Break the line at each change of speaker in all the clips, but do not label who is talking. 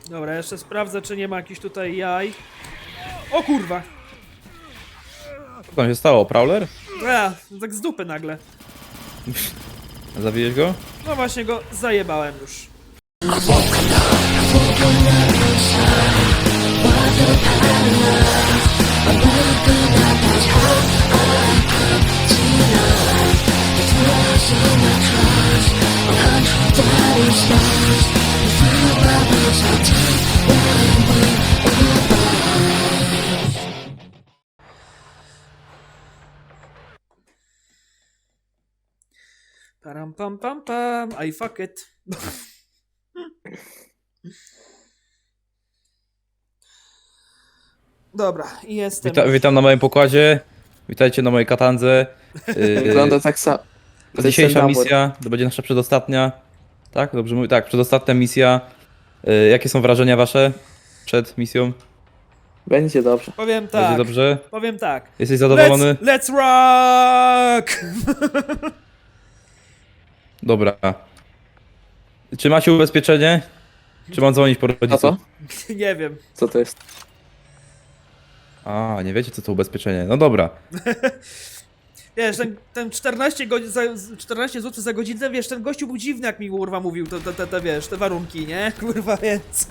Dobra, jeszcze sprawdzę, czy nie ma jakichś tutaj jaj. O kurwa!
Co tam się stało? Prowler?
Tak z dupy nagle.
Zabiłeś go?
No właśnie go zajebałem już. Param pam pam pam, I fuck it. Dobra, i jestem.
Witam na moim pokładzie. Witajcie na mojej katandze.
Wygląda tak samo.
Dzisiejsza misja to będzie nasza przedostatnia. Tak? Dobrze mówię? Tak, przedostatnia misja. Jakie są wrażenia wasze przed misją?
Będzie dobrze.
Powiem tak.
Będzie dobrze?
Powiem tak.
Jesteś zadowolony?
Let's rock!
Dobra. Czy macie ubezpieczenie? Czy mam dzwonić po
A
rodziców?
co?
Nie wiem.
Co to jest?
A, nie wiecie co to ubezpieczenie. No dobra.
Wiesz, ten 14 zł za godzinę, wiesz, ten gościu był dziwny, jak mi kurwa mówił, wiesz, te warunki, nie? Kurwa, więc...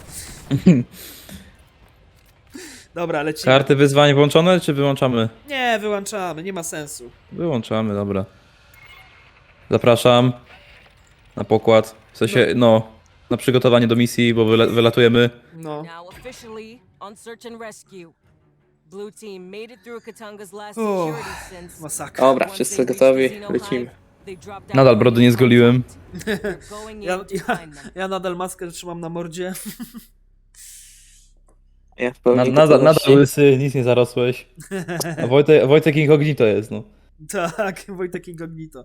Dobra, lecimy.
Karty wyzwań włączone, czy wyłączamy?
Nie, wyłączamy, nie ma sensu.
Wyłączamy, dobra. Zapraszam na pokład. W sensie, no, na przygotowanie do misji, bo wylatujemy.
No.
Now officially on search and rescue. Blue team made it through Katanga's last
Oh,
security since.
Masakra.
Dobra,
Once
wszyscy
they reached
gotowi,
the Xeno
lecimy.
hive, they dropped down
Nadal brody nie zgoliłem.
They're going
Ja,
in to
ja,
find them.
ja nadal maskę trzymam na mordzie.
Ja w pełni
Nadal
gotowości.
łysy, nic nie zarosłeś. A Wojtek Incognito jest, no.
Tak, Wojtek Incognito.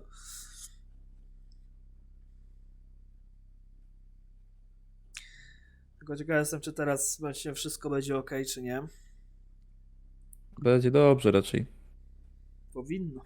Tylko ciekaw jestem, czy teraz właśnie wszystko będzie ok, czy nie.
Będzie dobrze raczej.
Powinno.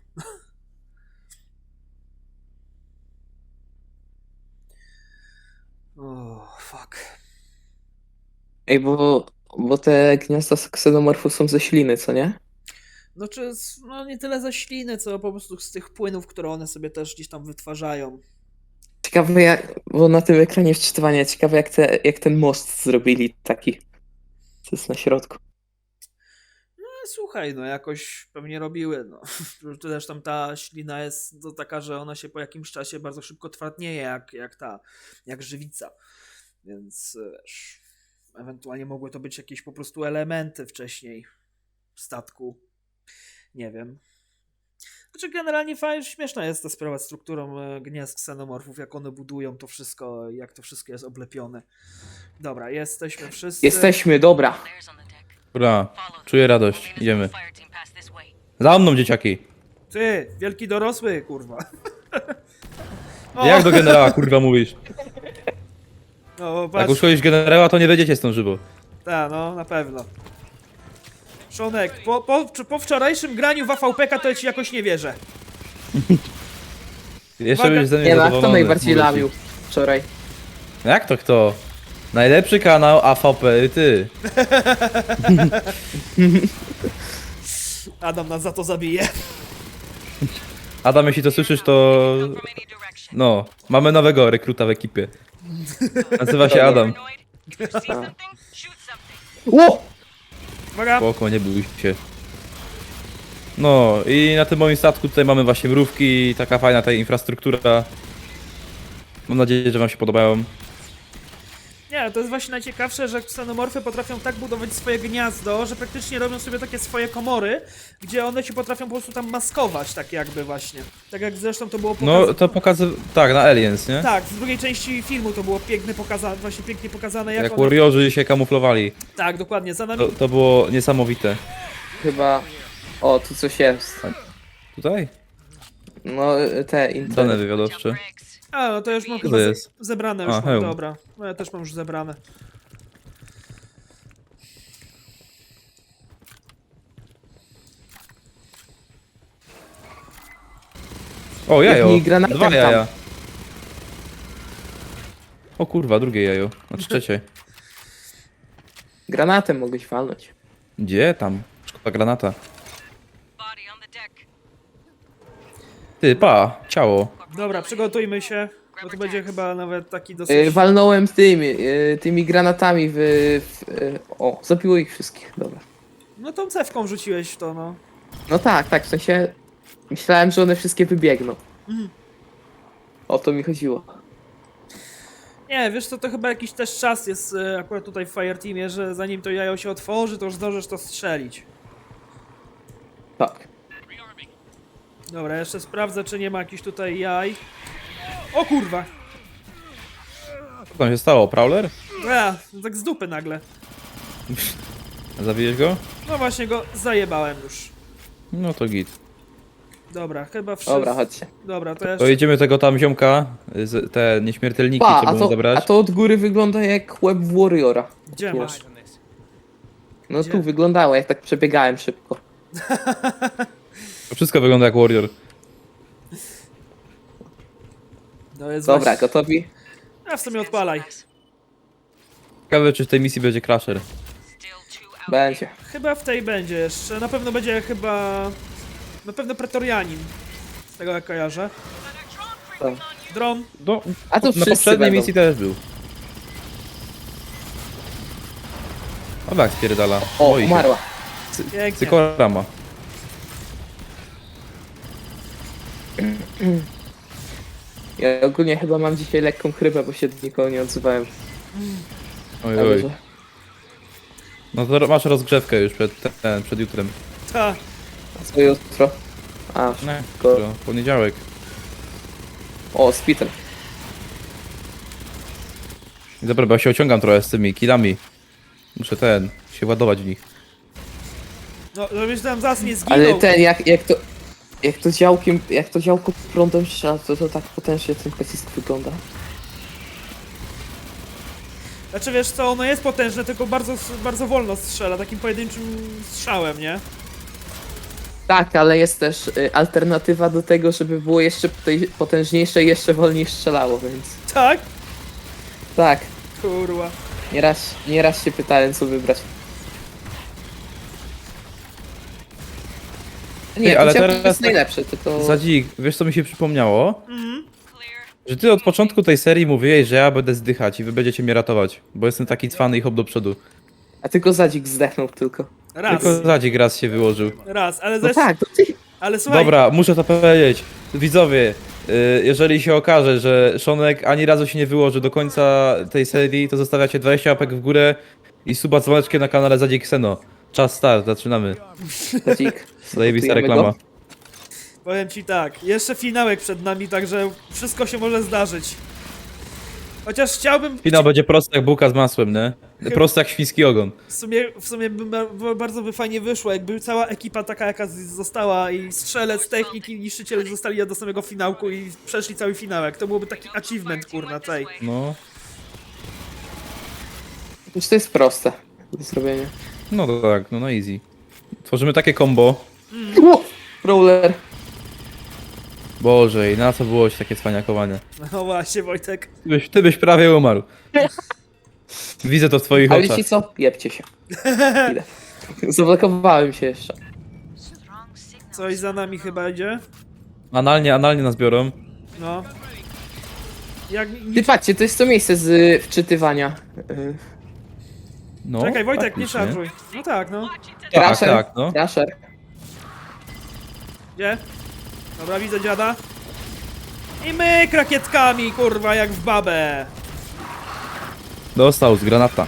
O, fuck.
Ej, bo te gniazda ksenomorfu są ze śliny, co nie?
No czy, no nie tyle ze śliny, co po prostu z tych płynów, które one sobie też gdzieś tam wytwarzają.
Ciekawe jak, bo na tym ekranie wczytywania, ciekawe jak ten most zrobili taki. Co jest na środku.
No słuchaj, no jakoś pewnie robiły, no. Zresztą ta ślina jest no, taka, że ona się po jakimś czasie bardzo szybko twardnieje, jak żywica. Więc wiesz, ewentualnie mogły to być jakieś po prostu elementy wcześniej w statku. Nie wiem. Znaczy generalnie fajnie, śmieszna jest ta sprawa z strukturą gniazd ksenomorfów, jak one budują to wszystko, jak to wszystko jest oblepione. Dobra, jesteśmy wszyscy.
Jesteśmy, dobra.
Dobra, czuję radość, idziemy. Za mną, dzieciaki!
Ty, wielki dorosły, kurwa. O,
Jak do generała, kurwa, mówisz?
no,
Jak
patrz.
uszkodzisz generała, to nie wiedziecie stąd żywo.
Tak, no, na pewno. Szonek, po wczorajszym graniu w AVP-ka to ja ci jakoś nie wierzę.
Jeszcze
Uwaga.
będziesz ze mnie
Nie no, a kto
zadowolony,
najbardziej
mówię ci.
lamił wczoraj?
Jak to kto? Najlepszy kanał AVP, ty.
Adam nas za to zabije.
Adam, jeśli to słyszysz, to... No, mamy nowego rekruta w ekipie. Nazywa się Adam.
Ło!
Uwaga.
Spoko, nie bój się. No i na tym moim statku tutaj mamy właśnie mrówki, taka fajna ta infrastruktura. Mam nadzieję, że wam się podobają.
Nie, to jest właśnie najciekawsze, że ksenomorfy potrafią tak budować swoje gniazdo, że praktycznie robią sobie takie swoje komory, gdzie one się potrafią po prostu tam maskować, tak jakby właśnie. Tak jak zresztą to było pokazane.
No to tak, na Aliens, nie?
Tak, w drugiej części filmu to było pięknie pokazane, jak
Jak
one...
warriorzy się kamuflowali.
Tak, dokładnie, za nami...
To było niesamowite.
Chyba... O, tu coś jest.
Tutaj?
No, te
Dane wywiadowcze.
A, no to już mam
Co
chyba
to jest?
zebrane, już
A,
mam,
hełm.
dobra. No ja też mam już zebrane.
O, jajo!
mi granatem
2
tam.
jaja. O kurwa, drugie jajo. Znaczy trzecie.
Granatem mogłeś walnąć.
Gdzie tam? Szkoda granata.
Body on the deck.
Ty, pa, ciało.
Dobra, przygotujmy się, bo to będzie chyba nawet taki dosyć...
Walnąłem tymi granatami o, zabiło ich wszystkich, dobra.
No tą cewką rzuciłeś w to, no.
No tak, w sensie myślałem, że one wszystkie wybiegną. O to mi chodziło.
Nie, wiesz co, to chyba jakiś też czas jest akurat tutaj w Fireteamie, że zanim to jajo się otworzy, to już zdążysz to strzelić.
Tak.
Dobra, jeszcze sprawdzę, czy nie ma jakichś tutaj jaj. O kurwa!
Co tam się stało? Prowler?
Tak z dupy nagle.
Zabiłeś go?
No właśnie go zajebałem już.
No to git.
Dobra, chyba wszystko.
Dobra, chodźcie.
Dobra, to
To
jeszcze...
jedziemy tego tam ziomka, te nieśmiertelniki
Pa,
trzeba mu
a
zabrać.
to od góry wygląda jak łeb Warriora.
Gdzie masz?
No
Gdzie?
tu wyglądało, jak tak przebiegałem szybko.
To wszystko wygląda jak Warrior.
No jest
Dobra,
właśnie...
gotowi?
A w sumie odpalaj.
Ciekawe, czy w tej misji będzie Crusher.
Będzie.
Chyba w tej będzie jeszcze. Na pewno będzie chyba... Na pewno Pretorianin. Z tego jak kojarzę.
Tak.
Dron.
No,
A to
na
wszyscy
poprzedniej
będą.
misji też był. O tak, spierdala.
O,
Boi się.
umarła.
Pięknie.
Cykorama.
Ja ogólnie chyba mam dzisiaj lekką chrypę, bo się do nikogo nie odzywałem.
Oj,
Ale
oj.
że-
No to masz rozgrzewkę już przed jutrem.
Ta.
Co jutro? A,
Nie,
Ko-
jutro, poniedziałek.
o, Spitter.
I dobra, bo ja się ociągam trochę z tymi killami. Muszę się ładować w nich.
No, żebyś tam zaraz nie zginął.
Ale ten, jak to działko prądem strzela, to tak potężnie ten pocisk wygląda.
Znaczy wiesz co, ono jest potężne, tylko bardzo, bardzo wolno strzela, takim pojedynczym strzałem, nie?
Tak, ale jest też alternatywa do tego, żeby było jeszcze potężniejsze i jeszcze wolniej strzelało, więc...
Tak?
Tak,
Kurwa.
nieraz się pytałem, co wybrać. Nie,
Ej, ale
ale
teraz
jest
tak-
najlepsze, tylko...
Zadzik, wiesz co mi się przypomniało?
Mhm.
Że ty od początku tej serii mówiłeś, że ja będę zdychać i wy będziecie mnie ratować. Bo jestem taki cwany i hop do przodu.
A tylko Zadzik zdechnął tylko.
Raz.
Tylko Zadzik raz się wyłożył.
Raz, ale
No
zresztą...
tak, to ty...
Ale słuchaj,
Dobra, muszę to powiedzieć. Widzowie, jeżeli się okaże, że Szonek ani razu się nie wyłoży do końca tej serii, to zostawiacie 20 łapek w górę i suba z dzwoneczkiem na kanale Zadzik Seno. Czas start, zaczynamy.
Zadzik.
Zajebista
sabotujemy
reklama.
go.
powiem ci tak, jeszcze finałek przed nami, także wszystko się może zdarzyć. Chociaż chciałbym...
Finał będzie prosty jak bułka z masłem, nie? Prosty jak świński ogon.
W sumie bardzo by fajnie wyszło, jakby cała ekipa taka jaka została i strzelec, technik i niszczyciel zostali do samego finałku i przeszli cały finałek. To byłoby taki achievement, kurna, tej.
No,
Już to jest proste do zrobienia.
no to tak, no easy. Tworzymy takie combo.
Brawler.
Boże, i na co było ci takie cwaniakowanie?
No właśnie, Wojtek.
Ty byś prawie umarł. Widzę to w twoich
Ale
oczach.
wiecie co? Jebcie się. Idę. Zablokowałem się jeszcze.
Coś za nami chyba idzie.
Analnie nas biorą.
No. Jak...
Ty patrzcie, to jest to miejsce z wczytywania.
No,
Czekaj, Wojtek, nie
faktycznie.
szarżuj. No tak, no.
Tak,
Crusher.
tak, no.
Crusher.
Gdzie? Dobra, widzę dziada. I my rakietkami, kurwa, jak w babę.
Dostał z granata.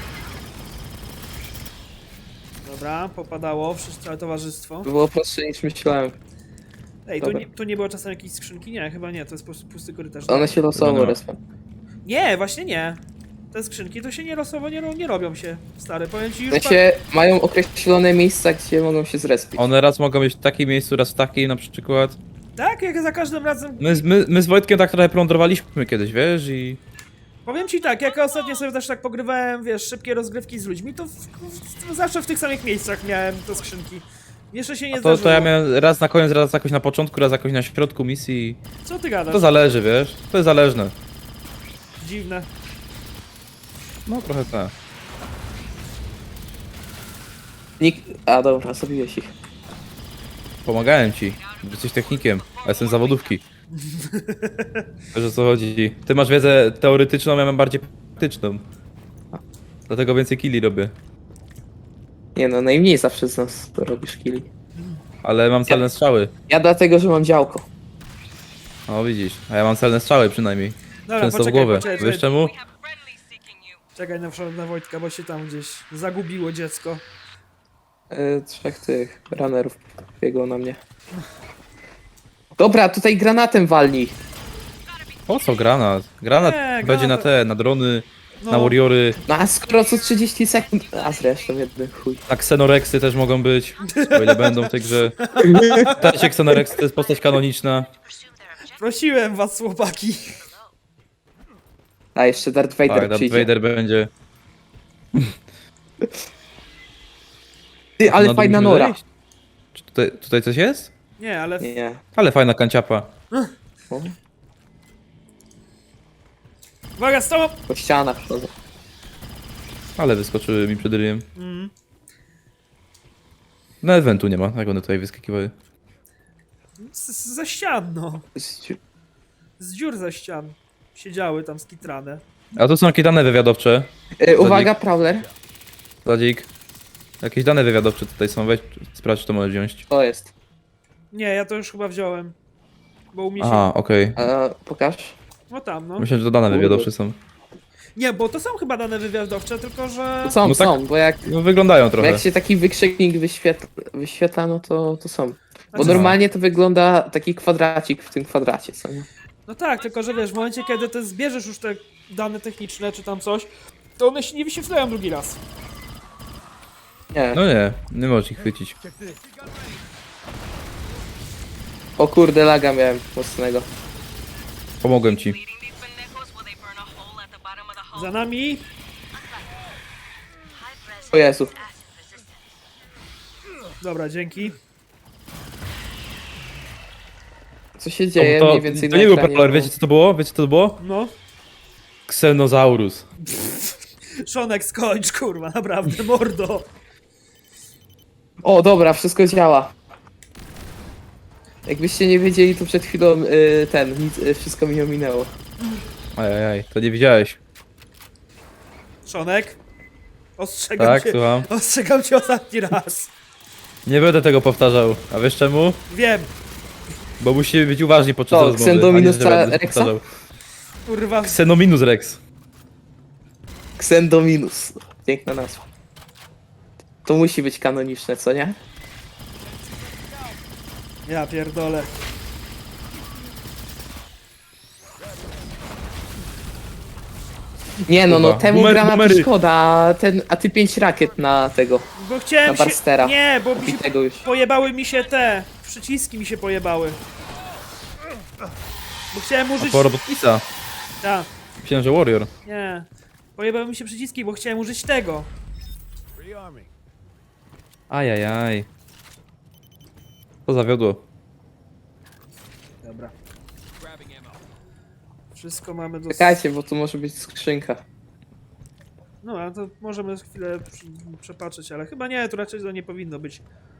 Dobra, popadało, całe towarzystwo.
Było prostsze niż myślałem.
Ej,
Dobra.
tu nie było czasem jakiejś skrzynki? Nie, chyba nie, to jest po prostu pusty korytarz.
One się
Dobra.
losowo respią.
Nie, właśnie nie. Te skrzynki to się nie losowo nie robią się, stary. Powiem ci
W
już...
sensie mają określone miejsca, gdzie mogą się zrespić.
One raz mogą być w takim miejscu, raz w takim na przykład.
Tak, jak za każdym razem...
My z Wojtkiem tak trochę plądrowaliśmy kiedyś, wiesz, i...
Powiem ci tak, jak ostatnio sobie też tak pogrywałem, wiesz, szybkie rozgrywki z ludźmi, to zawsze w tych samych miejscach miałem te skrzynki. Jeszcze się nie
To
zdarzyło.
ja miałem raz na koniec, raz jakoś na początku, raz jakoś na środku misji.
Co ty gadasz?
To zależy, wiesz? To jest zależne.
Dziwne.
No trochę tak.
A dobra, zabiłeś ich.
Pomagałem ci. Jesteś technikiem, a jestem z zawodówki. Wiesz o co chodzi. Ty masz wiedzę teoretyczną, ja mam bardziej praktyczną. Dlatego więcej killi robię.
Nie no, najmniej zawsze z nas to robisz killi.
Ale mam celne strzały.
Ja dlatego, że mam działko.
O widzisz, a ja mam celne strzały przynajmniej.
Dobra,
Często w
poczekaj,
głowę.
poczekaj,
Wiesz czemu?
czekaj na Wojtka, bo się tam gdzieś zagubiło dziecko.
Trzech tych runnerów biegło na mnie. Dobra, tutaj granatem walnij.
Po co granat? Granat
Nie,
będzie na
granat.
na drony,
No.
na warriory.
No a skoro co 30 sekund... A zresztą jeden chuj.
Na Xenorexy też mogą być, o ile będą w tej grze. Pamiętajcie, Xenorexy to jest postać kanoniczna.
Prosiłem was, chłopaki.
A jeszcze Darth Vader
Tak, Darth
przyjdzie.
Vader będzie.
Ty, ale
Na
fajna
dół
nora.
musimy zejść? Czy tutaj coś jest?
Nie, ale...
Nie.
Ale fajna kanciapa.
O,
Uwaga, z tobą!
po ścianach chodzą.
Ale wyskoczyły mi przed ryjem.
Mm.
No eventu nie ma, jak one tutaj wyskakiwały.
Ze ścian, no. Z dziur ze ścian. Siedziały tam skitrane.
A to są jakieś dane wywiadowcze.
Uwaga, Prowler.
Zadzik. Jakieś dane wywiadowcze tutaj są, weź sprawdź, czy to możesz wziąć.
To jest.
Nie, ja to już chyba wziąłem. Bo u mnie się...
Aha, okej.
Pokaż.
No tam, no.
Myślę, że to dane
Kurde.
wywiadowcze są.
Nie, bo to są chyba dane wywiadowcze, tylko że...
Są,
No tak.
są, bo jak,
No wyglądają
bo
trochę.
jak się taki wykrzyknik wyświetla, no to są. Bo
Znaczy-
normalnie to wygląda taki kwadracik w tym kwadracie, co nie?
No tak, tylko że wiesz, w momencie kiedy ty zbierzesz już te dane techniczne czy tam coś, to one się nie wyświetlają drugi raz.
Nie.
No nie możesz ich chwycić.
O kurde, laga miałem mocnego.
Pomogłem ci.
Za nami.
O Jezu.
Dobra, dzięki.
Co się dzieje
to
mniej więcej
to
na
nie był
ekranie,
Prowler,
bo-
wiecie co to było? Wiecie co to było?
No.
Xenosaurus.
Szonek, skończ, kurwa, naprawdę, mordo.
O, dobra, wszystko działa. Jakbyście nie wiedzieli, to przed chwilą wszystko mi ominęło.
Ajajaj, to nie widziałeś.
Szonek. Ostrzegam
Tak,
cię.
słucham.
Ostrzegam cię ostatni raz.
Nie będę tego powtarzał. A wiesz czemu?
Wiem,
Bo musimy być uważni podczas
To,
rozmowy.
Xendominus
a nie, że będę
Rexa?
powtarzał.
kurwa.
Xenominus Rex.
Xendominus. Piękna nazwa. To musi być kanoniczne, co nie?
Ja pierdolę.
Nie no,
Kurwa.
temu
Boomer-
granatu
boomery.
szkoda, a ty 5 rakiet na tego,
Bo chciałem
na Barstera.
Nie, bo mi się
Bitego już.
pojebały mi się te. Przyciski mi się pojebały. Bo chciałem
A
użyć...
po robotnica.
Tak,
Myślałem, że Warrior.
nie. Pojebały mi się przyciski, bo chciałem użyć tego.
Ajajaj. To zawiodło.
Dobra. Wszystko mamy do...
Czekajcie, bo tu może być skrzynka.
No, ale to możemy chwilę przepatrzeć, ale chyba nie, tu raczej to nie powinno być.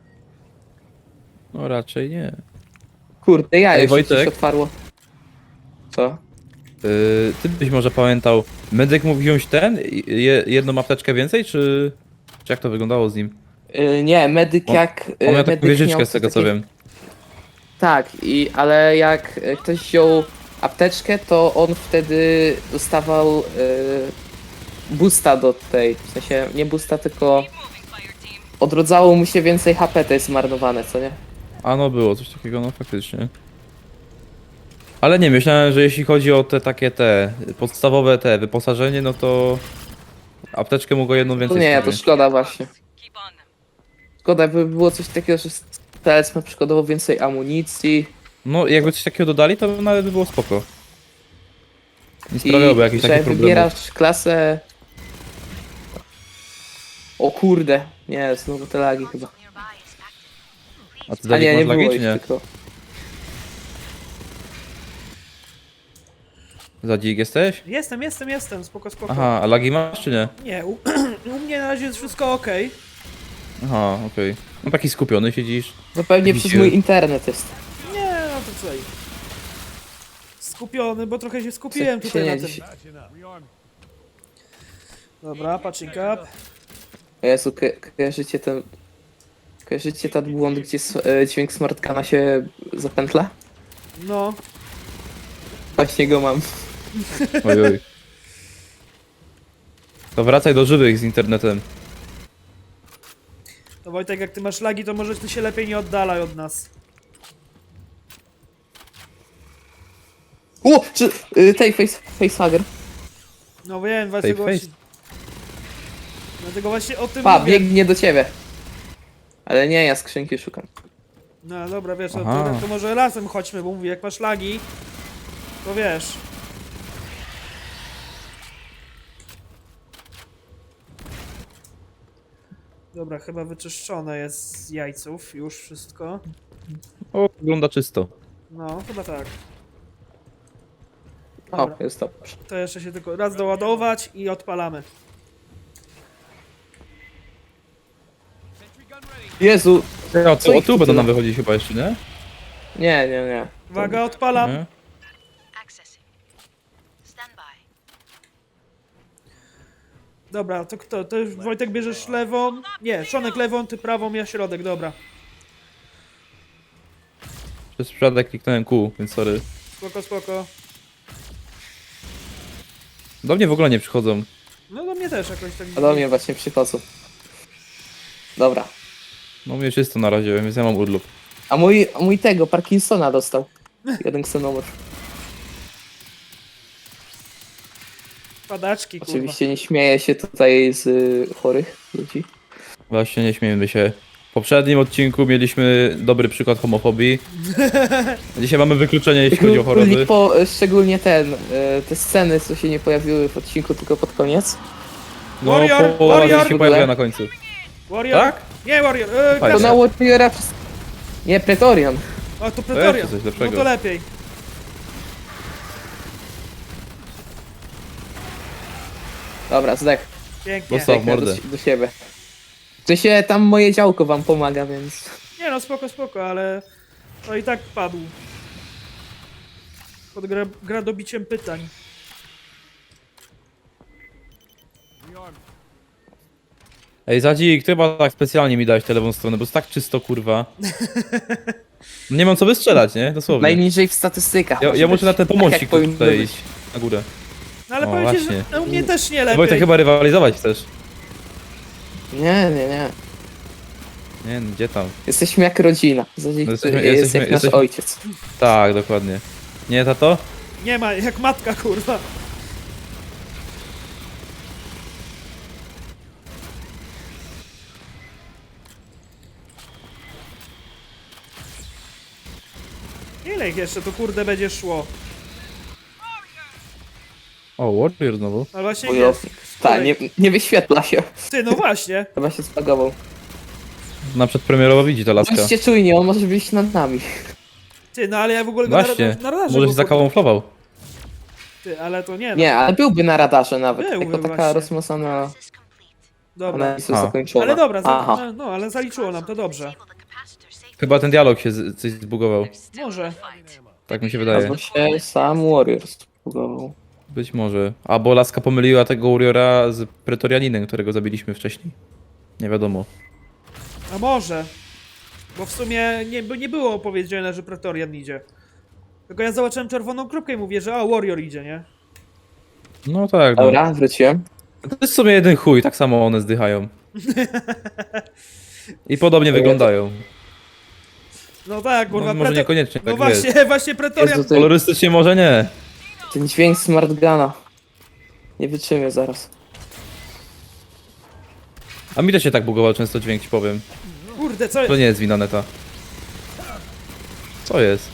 No raczej nie.
Kurde, ja
Ej,
już
Wojtek?
coś otwarło. Co?
Ty byś może pamiętał, medyk mógł wziąć jedną apteczkę więcej, czy jak to wyglądało z nim?
Nie, medyk
On-
jak...
On miał taką
medyk
wieżyczkę
miał
z tego co
takie-
wiem.
Tak, ale jak ktoś wziął apteczkę, to on wtedy dostawał boosta do tej, w sensie nie boosta, tylko odrodzało mu się więcej HP, to jest zmarnowane, co nie?
A no było coś takiego, no faktycznie. Ale nie, myślałem, że jeśli chodzi o te podstawowe wyposażenie, no to apteczkę mogło jedną
To
więcej
nie, to
wziąć.
szkoda właśnie. Szkoda, by było coś takiego, że strzelec ma przykładowo więcej amunicji
No jakby coś takiego dodali, to nawet by było spoko. Nie
i
sprawiałoby jakichś
że
takich problemów.
wybierasz klasę... O kurde, nie, znowu te lagi chyba.
A ty
A
dalej
nie, nie
masz
było
lagi,
ich
czy nie?
tylko.
Zadzik jesteś?
Jestem, spoko.
Aha, a lagi masz czy nie?
Nie, u mnie na razie jest wszystko ok.
Aha, okej. No taki skupiony siedzisz.
No pewnie
Widzicie?
przez mój internet jest.
Nie, no to słuchaj. Skupiony, bo trochę się skupiłem
Się
tutaj
nie
na tym.
dziś.
Dobra, patching up.
O Jezu, kojarzycie ten... Kojarzycie ten błąd, gdzie dźwięk smartgana się zapętla?
No,
Właśnie go mam.
Ojoj. To wracaj do żywych z internetem.
to Wojtek, jak ty masz lagi, to może ty się lepiej nie oddalaj od nas.
O! Czy... tej facehugger.
No wiem, dlatego
face.
właśnie... Dlatego właśnie o tym
Pa,
mówię.
biegnie do ciebie. Ale nie, ja skrzynki szukam.
No dobra, wiesz,
Aha.
to może razem chodźmy, bo mówię, jak masz lagi, to wiesz. Dobra, chyba wyczyszczone jest z jajców już wszystko.
O, wygląda czysto.
No, chyba tak.
O,
Dobra,
jest dobrze.
to jeszcze się tylko raz doładować i odpalamy.
Jezu!
Ja,
Co
o
ich
tu
tu
będą
tyle?
nam wychodzić chyba jeszcze, nie?
Nie.
Uwaga, odpalam.
Nie?
Accessing. Stand by.
Dobra, to kto? To już Wojtek bierzesz lewą? Nie, Szonek lewą, ty prawą, ja środek, dobra.
Przez przypadek kliknąłem Q, więc sorry.
Spoko, spoko.
Do mnie w ogóle nie przychodzą.
No do mnie też jakoś tak...
A do mnie właśnie przychodzą. Dobra.
No mnie czysto na razie, więc ja mam urlop.
A mój tego, Parkinsona dostał. Jeden ksenomorf.
Padaczki, kurwa.
Oczywiście nie śmieję się tutaj z chorych ludzi.
Właśnie nie śmiejmy się. W poprzednim odcinku mieliśmy dobry przykład homofobii. Dzisiaj mamy wykluczenie, jeśli chodzi o choroby.
Szczególnie te sceny, co się nie pojawiły w odcinku, tylko pod koniec.
No,
Warrior,
połowa
Warrior!
się pojawia na końcu.
Warrior?
Tak?
Nie, Warrior,
Fajnie.
To
Grasza.
na Warriora... Nie, Pretorian.
O, to
To
Pretoria.
jeszcze coś
No
lepszego.
to lepiej.
Dobra, zdech.
Pięknie.
Dostał.
Zdechnę
mordę.
do siebie. To się tam moje działko wam pomaga, więc...
Nie no, spoko, spoko, ale to i tak padł. Pod gradobiciem pytań.
Ej, Zadzik, ty chyba tak specjalnie mi dałeś tę lewą stronę, bo jest tak czysto, kurwa. Nie mam co wystrzelać, nie? Dosłownie.
Najniżej w statystykach.
Ja
może
muszę na
być.
ten
Tak,
pomocnik
jak powinno
tutaj
być.
iść. Na górę.
No ale
O,
powiem ci, że
właśnie.
no, u mnie też nie lepiej.
Wojtek, chyba rywalizować chcesz.
Nie.
Nie, no, gdzie tam?
Jesteśmy jak rodzina. Zadzik,
No
jest jak nasz ojciec.
Tak, dokładnie. Nie, tato?
Nie ma, jak matka, kurwa. Ile ich jeszcze tu kurde będzie szło?
O, Warrior znowu.
Ale właśnie jest.
Wojownik. Tak, nie wyświetla się.
Ty, no właśnie.
Chyba się spagował.
Na przedpremierowo widzi ta laska.
Bądźcie czujni, on może być nad nami.
Ty, no ale ja w ogóle go
Właśnie,
na radarze
może
go,
się zakamuflował.
Ty, ale to nie, no.
Nie, ale byłby na radarze nawet.
Byłby
Jako taka
właśnie.
rozmocona
Access complete.
Dobra.
analiza
A.
zakończona.
Ale dobra,
Aha.
no ale zaliczyło nam to dobrze.
Disable the capacitor safely.
Chyba ten dialog się coś zbugował.
Może.
Tak mi się wydaje.
Albo się sam Warrior spagował.
Być może. Albo laska pomyliła tego Warriora z Pretorianinem, którego zabiliśmy wcześniej. Nie wiadomo.
A może. Bo w sumie nie było powiedziane, że Pretorian idzie. Tylko ja zobaczyłem czerwoną kropkę i mówię, że Warrior idzie, nie?
No tak, no.
Dobra, wróciłem.
To jest w sumie jeden chuj, tak samo one zdychają. I podobnie wyglądają.
No tak, kurwa.
No, może niekoniecznie,
No
tak
właśnie, właśnie Pretorian.
Jezu,
Kolorystycznie może nie.
ten dźwięk smartgana. Nie wytrzymię zaraz.
A mi też się tak bugował często dźwięk, ci powiem.
Kurde, co
To nie jest wina neta. Co jest?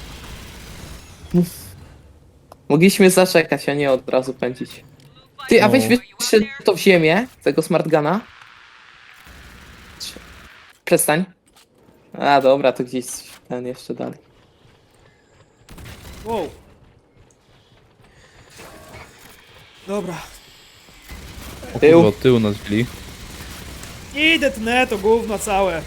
Mogliśmy zaczekać, a nie od razu pędzić. Ty, a weź
No.
wyszedł to w ziemię, tego smartgana. Przestań. A dobra, to gdzieś ten jeszcze dalej.
Wow. Dobra.
O
Tył.
kurwa, od tyłu nas wzięli.
Idę tnę to gówno całe.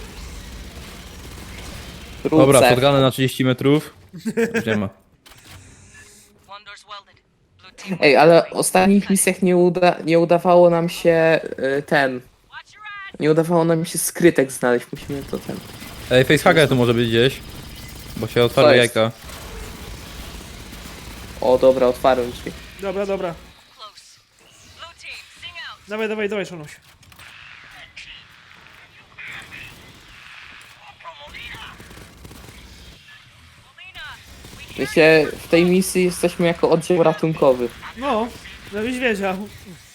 Dobra,
Wrócę.
shotguny na 30 metrów. Już nie ma.
One door's welded. Blue team.
Ej, ale w ostatnich misjach nie udawało nam się nie udawało nam się skrytek znaleźć. Musimy to ten.
Ej, facehugger tu może być gdzieś. Bo się otwarły
Co jest?
jajka.
O, dobra, otwarłem drzwi.
Dobra, dobra.
Close. Blue team, sing out.
Dawaj, dawaj, dawaj, Szonuś.
Wiecie, w tej misji jesteśmy jako oddział ratunkowy.
No, żebyś wiedział.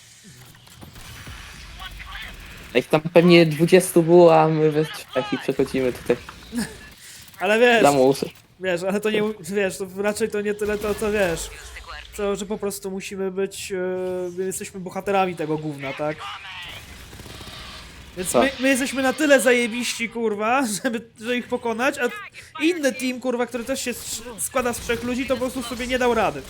Jak tam pewnie 20 było, a my we trzech i przechodzimy tutaj
Ale wiesz,
dla musy.
wiesz, ale to nie, wiesz, to raczej to nie tyle to, co wiesz. Co, że po prostu musimy być, my jesteśmy bohaterami tego gówna, tak? Więc
Co?
my jesteśmy na tyle zajebiści, kurwa, żeby ich pokonać, a inny team, kurwa, który też się składa z 3 ludzi, to po prostu sobie nie dał rady.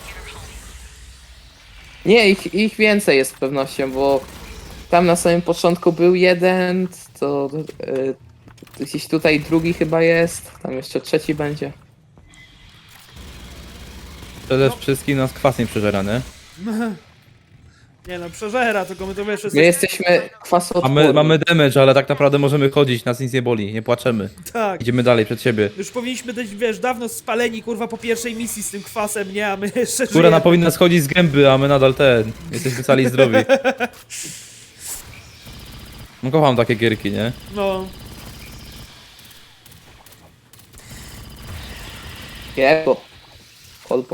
Nie, ich więcej jest z pewnością, bo tam na samym początku był jeden, to gdzieś tutaj drugi chyba jest, tam jeszcze trzeci będzie.
Przede wszystkim nas kwas nie przeżera, nie?
Nie no, przeżera, tylko my to wiesz,
My jesteśmy kwasoodporni.
Mamy damage, ale tak naprawdę możemy chodzić, nas nic nie boli, nie płaczemy.
tak.
Idziemy dalej przed siebie.
Już powinniśmy być, wiesz, dawno spaleni, kurwa, po pierwszej misji z tym kwasem, nie? A my jeszcze
Skóra
żyjemy.
powinna schodzić z gęby, a my nadal jesteśmy cali i zdrowi. No kocham takie gierki, nie?
No,
Jebo. Kolbą.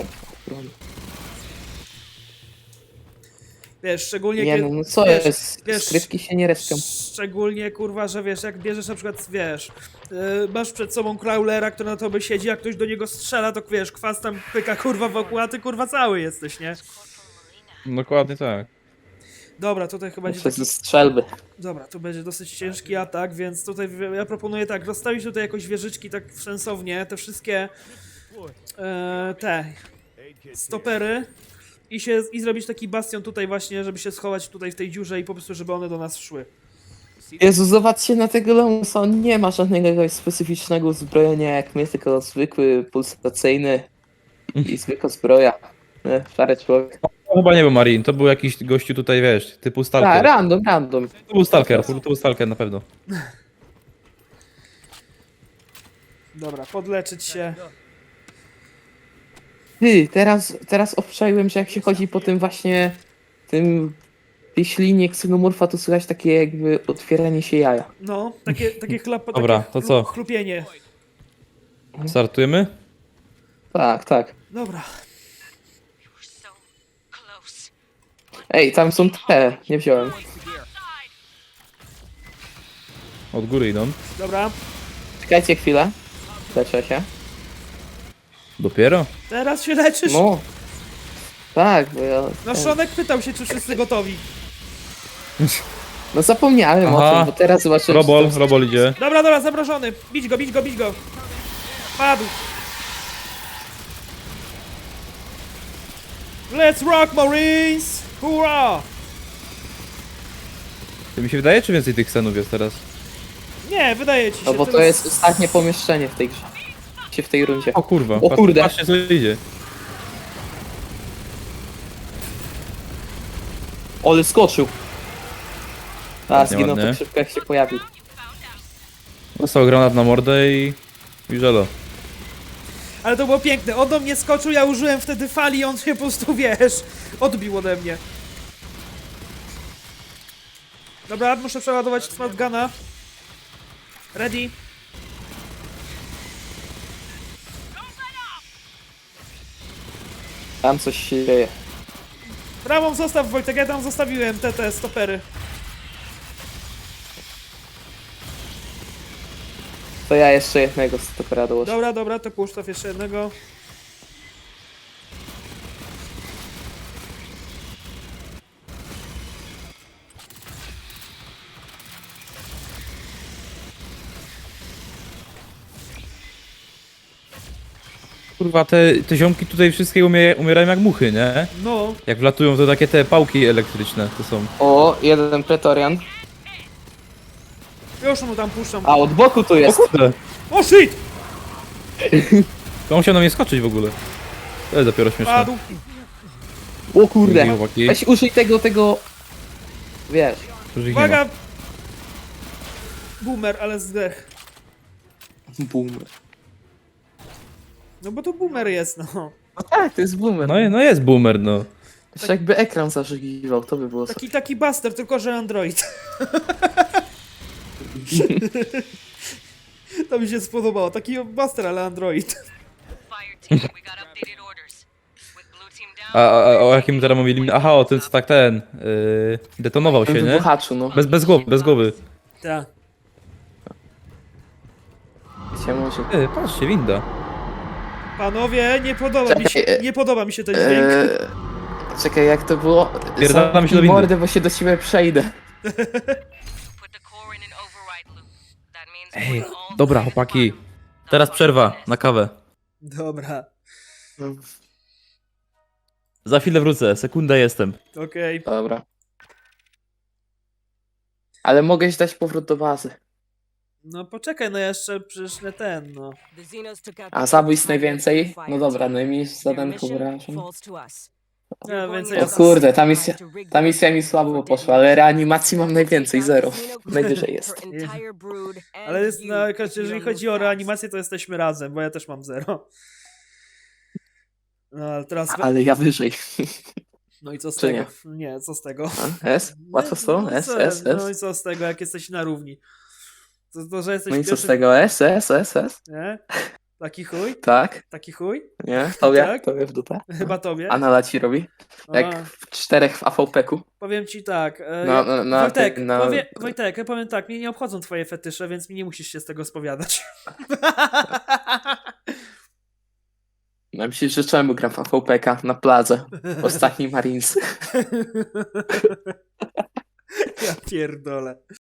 wiesz, szczególnie
Nie
kiedy...
no, no co
wiesz,
jest?
wiesz,
Skrytki się nie respią.
Szczególnie, kurwa, że wiesz, jak bierzesz na przykład, wiesz, masz przed sobą crawlera, który na tobie siedzi, a ktoś do niego strzela, to wiesz, kwas tam pyka, kurwa, wokół, a ty, kurwa, cały jesteś, nie?
Dokładnie tak.
Dobra, tutaj chyba będzie
Przez
taki...
strzelby.
Dobra, to będzie dosyć ciężki atak, więc tutaj ja proponuję tak, rozstawić tutaj jakoś wieżyczki tak sensownie, te wszystkie te stopery i zrobić taki bastion tutaj właśnie, żeby się schować tutaj w tej dziurze i po prostu, żeby one do nas szły.
Jezu, zobaczcie na tego Lemusa, on nie ma żadnego jakiegoś specyficznego uzbrojenia jak my, tylko zwykły pulsacyjny i zwykła zbroja. Szary człowiek.
To chyba nie był Marine, to był jakiś gościu tutaj, wiesz, typu
Tak,
stalker.
random.
To był stalker, to był stalker na pewno.
Dobra, podleczyć się.
Ty, teraz obczaiłem, że jak się chodzi po tym właśnie tej ślinie ksenomorfa, to słychać takie jakby otwieranie się jaja.
No, takie
Dobra,
takie
to co?
chlupienie.
Startujemy?
Tak.
Dobra.
We're so close.
Ej, tam są te, nie wziąłem.
Od góry idą.
Dobra,
Czekajcie chwilę. Leczę się.
Dopiero?
teraz się leczysz.
No. Tak, bo ja...
No, Szonek pytał się, czy wszyscy gotowi.
No zapomniałem o
Aha.
tym, bo teraz zobaczyłem...
Robol idzie.
Dobra, zamrożony. Bić go. Padł. Let's rock, Marines! Hurra!
To mi się wydaje, czy więcej tych scenów jest teraz?
Nie, wydaje ci się.
No bo to
teraz-
jest ostatnie pomieszczenie w tej grze. W tej rundzie.
O kurwa.
O kurde.
Patrzcie, co idzie.
Ole skoczył. A,
Ładnie,
zginął
ładnie.
tak szybko jak się pojawił.
Dostał granat na mordę i żelo.
Ale to było piękne. On do mnie skoczył, ja użyłem wtedy fali i on się po prostu, wiesz, odbił ode mnie. Dobra, muszę przeładować smart guna. Ready?
Tam coś się dzieje.
Prawą zostaw, Wojtek, ja tam zostawiłem te stopery.
To ja jeszcze jednego stopera dołożę.
Dobra, to puszczaw jeszcze jednego.
Kurwa, te ziomki tutaj wszystkie umierają jak muchy, nie?
No,
Jak wlatują, to takie te pałki elektryczne to są.
O, jeden pretorian.
Już mu tam puszczą.
A, od boku tu
O
jest.
kurde!
O shit!
To musiał na mnie skoczyć w ogóle. To jest dopiero śmieszne.
Padł.
O kurde.
Dzięki, chłopaki.
Weź użyj tego... Wiesz.
Już ich nie ma.
Uwaga! Boomer, ale zdech.
Boomer.
No bo to boomer jest, no.
No tak, to jest boomer.
No jest boomer, no.
Jeszcze jakby ekran zażygiwał, to by było super.
Taki buster, tylko że Android. To mi się spodobało. Taki buster, ale Android.
Fire team, we got updated orders. With blue team down.
A o jakim teraz mówili? Aha, o tym co tak ten... detonował się, nie?
Wybuchaczu, no.
Bez głowy.
Tak.
Wiecie, może...
Patrzcie, winda.
Panowie, nie podoba mi się ten dźwięk.
Czekaj, jak to było?
Pierdalamy się do
Zamknij
windy.
mordę, bo się do ciebie przejdę.
Put the core in an override loop. That means
Ej,
putting all
dobra
the
chłopaki.
fire.
Teraz przerwa na kawę.
Dobra,
Za chwilę wrócę, sekundę jestem.
okej.
Dobra. Ale mogę ci dać powrót do bazy.
No poczekaj, no jeszcze przecież nie ten, no.
The Xenos took out
A
the
zabójstw
Fire
najwięcej?
Team
No dobra,
Fire
no i
Team.
mi
Their
zadanko
mission
wyrażam.
falls to us.
Ja
You're going
więcej
O
in
jest.
kurde,
to rig
ta misja mi
the
słabo
for
poszła,
damage.
ale reanimacji mam najwięcej,
Take out
zero.
the Xeno
Najwyżej
crew,
jest.
her entire brood, and
Ale jest,
you
no,
if you
jeżeli
don't
chodzi o
move fast.
reanimację, to jesteśmy razem, bo ja też mam 0. No ale teraz...
Ale ja wyżej.
No i co z
Czy
tego?
nie?
Nie, co z tego?
A? S? Łatwo z to?
No,
S,
co-
S,
No i
S.
co z tego, jak jesteś na równi? To że jesteś
No i co z
pierwszy...
tego? S, S, S, S?
Nie? Taki chuj?
Tak?
Taki chuj?
Nie? Tobie?
Tak?
Tobie w dupę?
Chyba tobie.
Anala ci robi?
A,
Jak w 4 w AVP-ku?
powiem ci tak.
Wojtek,
Wojtek, ja powiem tak, mnie nie obchodzą twoje fetysze, więc mi nie musisz się z tego spowiadać.
Ja myślę, że czemu gram w AVP-ka na plaży? Ostatni Marines.
Ja pierdolę.